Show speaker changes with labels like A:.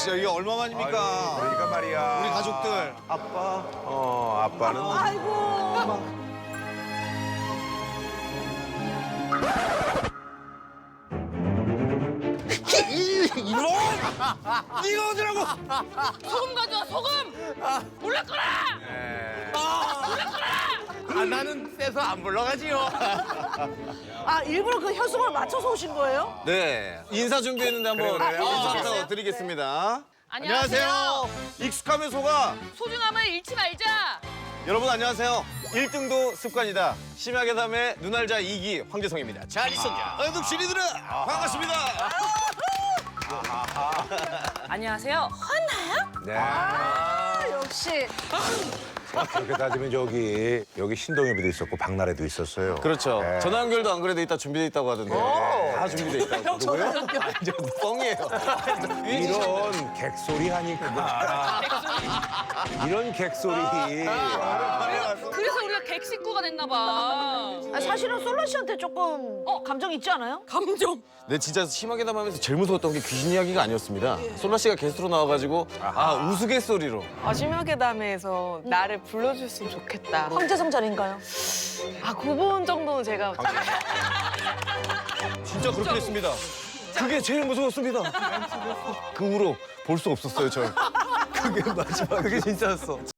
A: 진짜 이게 얼마만입니까?
B: 그러니까 말이야.
A: 우리 가족들.
B: 아빠. 아빠는.
C: 아이고.
A: 이놈! 네가 어디라고?
D: 소금 가져와, 소금! 몰래 꺼라!
E: 나는 쎄서 안 불러가지요.
C: 아, 일부러 그 혈성을 맞춰서 오신 거예요?
A: 네. 인사 준비했는데 한번
B: 그래요?
A: 인사 드리겠습니다.
D: 안녕하세요.
A: 익숙하면 속아.
D: 소중함을 잃지 말자.
A: 여러분 안녕하세요. 1등도 습관이다. 심야계 담의 눈알자 2기 황재성입니다. 잘 있었냐? 득실이들아 반갑습니다.
D: 안녕하세요.
B: 네.
C: 아, 역시.
B: 그렇게 따지면 여기 신동엽이도 있었고 박나래도 있었어요.
A: 그렇죠.
B: 네.
A: 전화 연결도 안 그래도 이따 준비돼 있다고 하던데. 다 준비돼 있다고. 누구요? 아니죠, 뻥이에요.
B: 이런 객소리 하니까. 이런 객소리.
D: 그래서 우리가 객식구가 됐나 봐.
C: 아, 사실은 솔라 씨한테 조금 감정 있지 않아요?
D: 감정.
A: 네, 진짜 심하게 담하면서 제일 무서웠던 게 귀신 이야기가 아니었습니다. 솔라 씨가 게스트로 나와가지고 우스갯소리로.
F: 심하게 담에서 나를 불러줬으면 좋겠다.
C: 황재성 자리인가요?
F: 그 부분 정도는 제가
A: 진짜 그렇게 됐습니다. 그게 제일 무서웠습니다. 그 후로 볼 수 없었어요, 저. 그게 마지막. 그게 진짜였어.